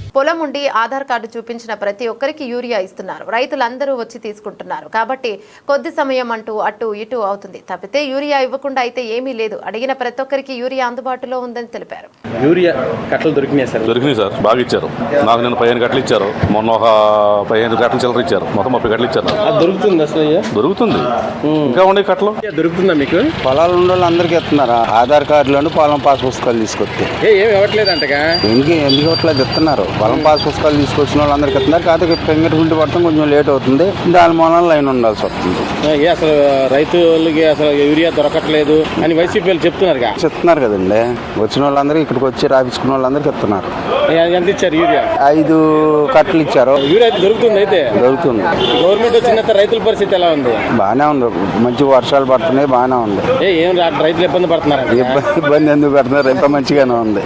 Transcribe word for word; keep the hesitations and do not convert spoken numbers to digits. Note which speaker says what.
Speaker 1: పొలం ఉండి ఆధార్ కార్డు చూపించిన ప్రతి ఒక్కరికి యూరియా ఇస్తున్నారు. రైతులందరూ వచ్చి తీసుకుంటున్నారు. కాబట్టి కొద్ది సమయం అంటూ అటు ఇటు అవుతుంది తప్పితే యూరియా ఇవ్వకుండా అయితే ఏమీ లేదు. అడిగిన ప్రతి ఒక్కరికి యూరియా అందుబాటులో ఉందని తెలిపారు.
Speaker 2: యూరియా కట్టలు దొరికినాయి సార్?
Speaker 3: దొరికినాయి సార్, బాగా ఇచ్చారు. నాకు నేను పదిహేను గంటలు ఇచ్చారు, మొన్న ఒక పదిహేను గంటలు చిల్లర ఇచ్చారు, మొత్తం ముప్పై గంటలు ఇచ్చారు.
Speaker 2: దొరుకుతుంది అసలు?
Speaker 3: దొరుకుతుంది. ఇంకా ఉండే కట్టలు
Speaker 2: దొరుకుతుందా మీకు?
Speaker 4: పొలాలు ఉండే వాళ్ళందరికీ ఇస్తున్నారు ఆధార్ కార్డులను పొలం పాస్ పుస్తకాలు తీసుకొస్తే.
Speaker 2: ఏమి ఇవ్వట్లేదు అంటగా?
Speaker 4: ఎందుకు ఎందుకు ఇవ్వట్లేదు? ఇస్తున్నారు. పొలం పాస్ పుస్తకాలు తీసుకొచ్చిన వాళ్ళందరికీ ఇస్తున్నారు. కాకపోతే ఫింగర్ ప్రింట్ పడటం కొంచెం లేట్ అవుతుంది. దాని మూలన లైన్ ఉండాల్సి వస్తుంది.
Speaker 2: అసలు రైతులకి అసలు యూరియా దొరకట్లేదు అని వైసీపీ చెప్తున్నారు
Speaker 4: చెప్తున్నారు కదండి. వచ్చిన వాళ్ళందరికీ ఇక్కడికి వచ్చి రాపించుకున్న వాళ్ళందరికీ ఇస్తున్నారు.
Speaker 2: ఎంత ఇచ్చారు యూరియా?
Speaker 4: ఐదు కట్టలు ఇచ్చారు.
Speaker 2: యూరియా దొరుకుతుంది? అయితే
Speaker 4: దొరుకుతుంది.
Speaker 2: గవర్నమెంట్ వచ్చిన రైతుల పరిస్థితి ఎలా ఉంది?
Speaker 4: బాగానే ఉంది. మంచి వర్షాలు పడుతున్నాయి, బాగానే ఉంది.
Speaker 2: ఏం రైతులు ఇబ్బంది పడుతున్నారు?
Speaker 4: ఇబ్బంది ఇబ్బంది ఎందుకు పెడుతున్నారు? ఎంత మంచిగానే ఉంది.